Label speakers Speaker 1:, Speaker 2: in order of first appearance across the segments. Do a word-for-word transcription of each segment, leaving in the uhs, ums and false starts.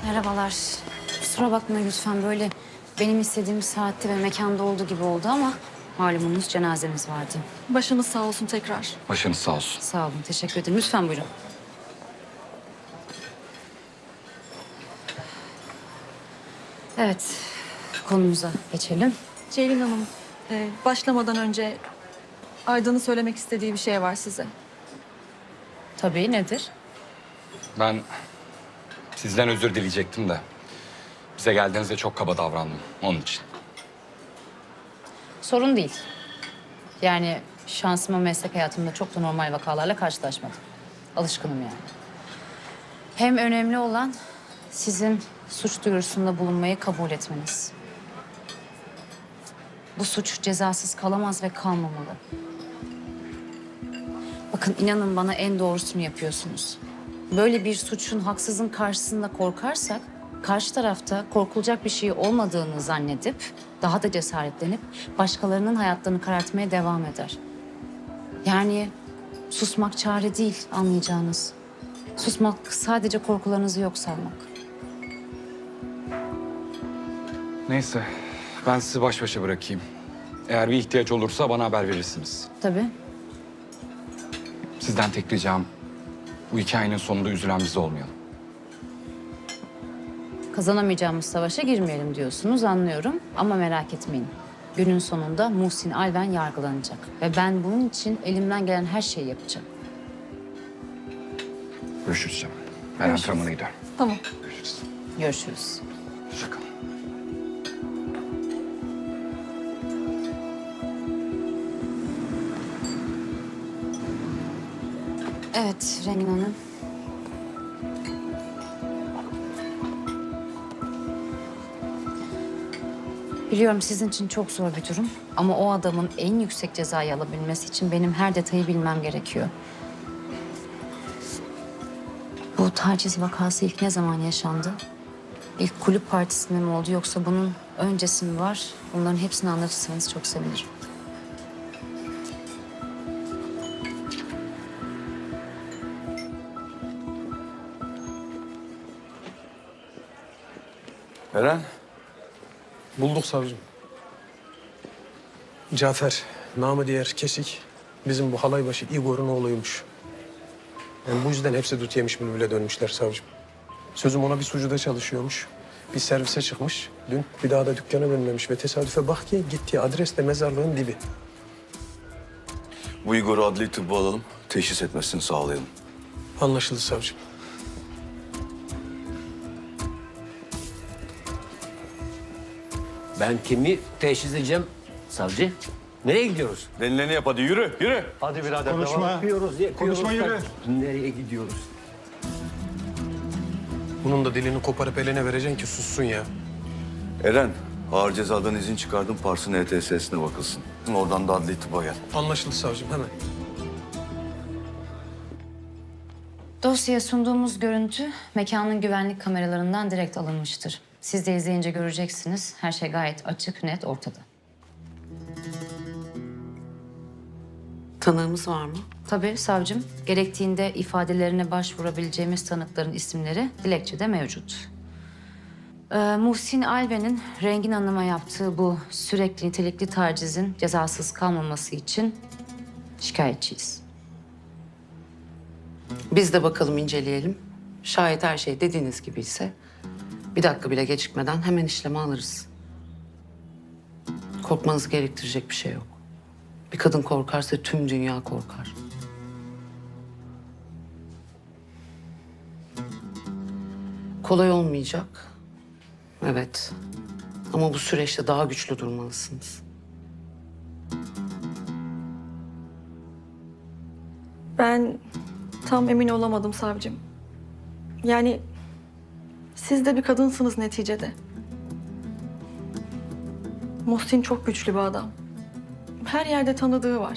Speaker 1: Merhabalar. Kusura bakmayın lütfen, böyle benim istediğim saatte ve mekanda olduğu gibi oldu ama malumunuz cenazemiz vardı.
Speaker 2: Başınız sağ olsun tekrar.
Speaker 3: Başınız sağ olsun.
Speaker 1: Sağ olun, teşekkür ederim. Lütfen buyurun. Evet, konumuza geçelim.
Speaker 2: Ceylin Hanım, e, başlamadan önce Aydın'ın söylemek istediği bir şey var size.
Speaker 1: Tabii, nedir?
Speaker 3: Ben sizden özür dileyecektim de bize geldiğinizde çok kaba davrandım onun için.
Speaker 1: Sorun değil. Yani şansıma meslek hayatımda çok da normal vakalarla karşılaşmadım. Alışkınım yani. Hem önemli olan sizin suç duyurusunda bulunmayı kabul etmeniz. Bu suç cezasız kalamaz ve kalmamalı. Bakın, inanın bana, en doğrusunu yapıyorsunuz. Böyle bir suçun, haksızın karşısında korkarsak, karşı tarafta korkulacak bir şey olmadığını zannedip, daha da cesaretlenip başkalarının hayatlarını karartmaya devam eder. Yani susmak çare değil, anlayacağınız. Susmak sadece korkularınızı yok saymak.
Speaker 3: Neyse, ben sizi baş başa bırakayım. Eğer bir ihtiyaç olursa bana haber verirsiniz.
Speaker 1: Tabii.
Speaker 3: Sizden tek ricam, bu hikayenin sonunda üzülen biz olmayalım.
Speaker 1: Kazanamayacağımız savaşa girmeyelim diyorsunuz, anlıyorum. Ama merak etmeyin. Günün sonunda Muhsin Alven yargılanacak. Ve ben bunun için elimden gelen her şeyi yapacağım.
Speaker 3: Görüşürüz canım. Ben antrenmana gidiyorum.
Speaker 2: Tamam.
Speaker 3: Görüşürüz.
Speaker 1: Görüşürüz.
Speaker 3: Hoşça kalın.
Speaker 1: Evet, Rengin Hanım. Biliyorum sizin için çok zor bir durum. Ama o adamın en yüksek cezayı alabilmesi için benim her detayı bilmem gerekiyor. Bu taciz vakası ilk ne zaman yaşandı? İlk kulüp partisinde mi oldu, yoksa bunun öncesi mi var? Bunların hepsini anlatırsanız çok sevinirim.
Speaker 4: Eren,
Speaker 5: Bulduk savcım. Cafer, namı diğer Kesik, bizim bu halaybaşı Igor'un oğluymuş. Yani bu yüzden hepsi dut yemiş bülbüle dönmüşler savcım. Sözüm ona bir sucuda çalışıyormuş. Bir servise çıkmış. Dün bir daha da dükkana dönmemiş ve tesadüfe bak ki gittiği adres de mezarlığın dibi.
Speaker 4: bu Igor'u adli tıbba alalım, teşhis etmesini sağlayalım.
Speaker 5: Anlaşıldı savcım.
Speaker 6: Ben kimi teşhis edeceğim savcı? Nereye gidiyoruz?
Speaker 4: Denileni yap hadi, yürü, yürü.
Speaker 6: Hadi birader konuşma. Yapıyoruz, yapıyoruz. Konuşma yürü. Nereye gidiyoruz?
Speaker 5: Bunun da dilini koparıp eline vereceksin ki sussun ya.
Speaker 4: Eren, ağır cezadan izin çıkardım, Pars'ın E T S'sine bakılsın. Oradan da adli tıbba gel.
Speaker 5: Anlaşıldı savcım, hemen.
Speaker 1: Dosyaya sunduğumuz görüntü mekanın güvenlik kameralarından direkt alınmıştır. Siz de izleyince göreceksiniz. Her şey gayet açık, net, ortada.
Speaker 7: Tanığımız var mı?
Speaker 1: Tabii savcım, gerektiğinde ifadelerine başvurabileceğimiz tanıkların isimleri dilekçede mevcut. Ee, Muhsin Alven'in Rengin Hanım'a yaptığı bu sürekli nitelikli tacizin cezasız kalmaması için şikayetçiyiz.
Speaker 7: Biz de bakalım, inceleyelim. Şayet her şey dediğiniz gibi ise bir dakika bile gecikmeden hemen işleme alırız. Korkmanızı gerektirecek bir şey yok. Bir kadın korkarsa tüm dünya korkar. Kolay olmayacak. Evet. Ama bu süreçte daha güçlü durmalısınız.
Speaker 2: Ben tam emin olamadım savcım. Yani siz de bir kadınsınız neticede. Muhsin çok güçlü bir adam. Her yerde tanıdığı var.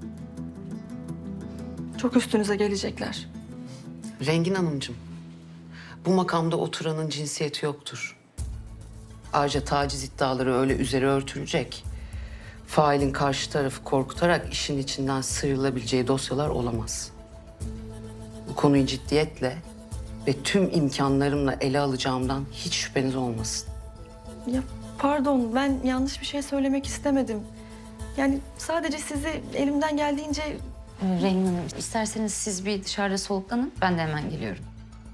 Speaker 2: Çok üstünüze gelecekler.
Speaker 7: Rengin Hanımcığım, bu makamda oturanın cinsiyeti yoktur. Ayrıca taciz iddiaları öyle üzeri örtülecek, failin karşı tarafı korkutarak işin içinden sıyrılabileceği dosyalar olamaz. Bu konuyu ciddiyetle ve tüm imkanlarımla ele alacağımdan hiç şüpheniz olmasın.
Speaker 2: Ya pardon, ben yanlış bir şey söylemek istemedim. Yani sadece sizi elimden geldiğince...
Speaker 1: Ee, Rengin Hanım, isterseniz siz bir dışarıda soluklanın. Ben de hemen geliyorum.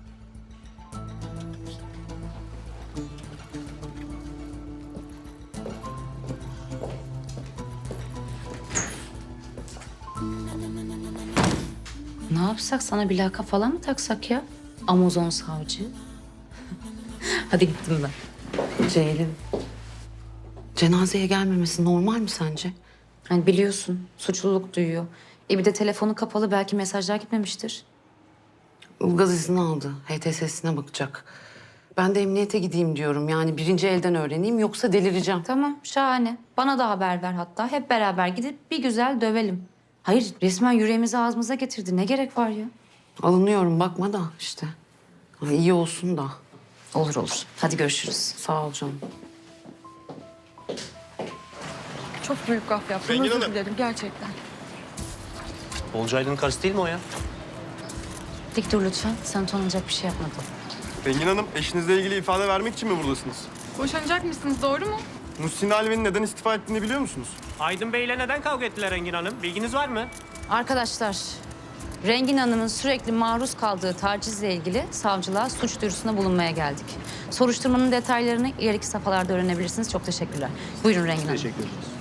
Speaker 1: Ne yapsak? Sana bir lakap falan mı taksak ya? Amazon savcı. Hadi gittim ben.
Speaker 7: Ceylin, cenazeye gelmemesi normal mi sence?
Speaker 1: Hani biliyorsun suçluluk duyuyor. E bir de telefonu kapalı, belki mesajlar gitmemiştir.
Speaker 7: Ilgaz izni aldı. H T S'sine bakacak. Ben de emniyete gideyim diyorum. Yani birinci elden öğreneyim yoksa delireceğim.
Speaker 1: Tamam, şahane. Bana da haber ver hatta. Hep beraber gidip bir güzel dövelim. Hayır, resmen yüreğimizi ağzımıza getirdi. Ne gerek var ya?
Speaker 7: Alınıyorum bakma da işte. Ay, iyi olsun da.
Speaker 1: Olur olur. Hadi görüşürüz.
Speaker 7: Sağ ol canım.
Speaker 2: Çok büyük gaf yaptım.
Speaker 6: Rengin
Speaker 2: Özür
Speaker 6: Hanım.
Speaker 2: dilerim gerçekten.
Speaker 6: Olcaydın'ın karısı değil mi o ya?
Speaker 1: Dik dur lütfen. Sen utanılacak bir şey yapmadın.
Speaker 8: Rengin Hanım, eşinizle ilgili ifade vermek için mi buradasınız?
Speaker 9: Boşanacak mısınız, doğru mu?
Speaker 8: Muhsin Alvi'nin neden istifa ettiğini biliyor musunuz?
Speaker 6: Aydın Bey'le neden kavga ettiler Engin Hanım? Bilginiz var mı?
Speaker 1: Arkadaşlar, Rengin Hanım'ın sürekli maruz kaldığı tacizle ilgili savcılığa suç duyurusunda bulunmaya geldik. Soruşturmanın detaylarını ileriki safhalarda öğrenebilirsiniz. Çok teşekkürler. Buyurun Rengin Hanım.
Speaker 6: Teşekkür ederiz.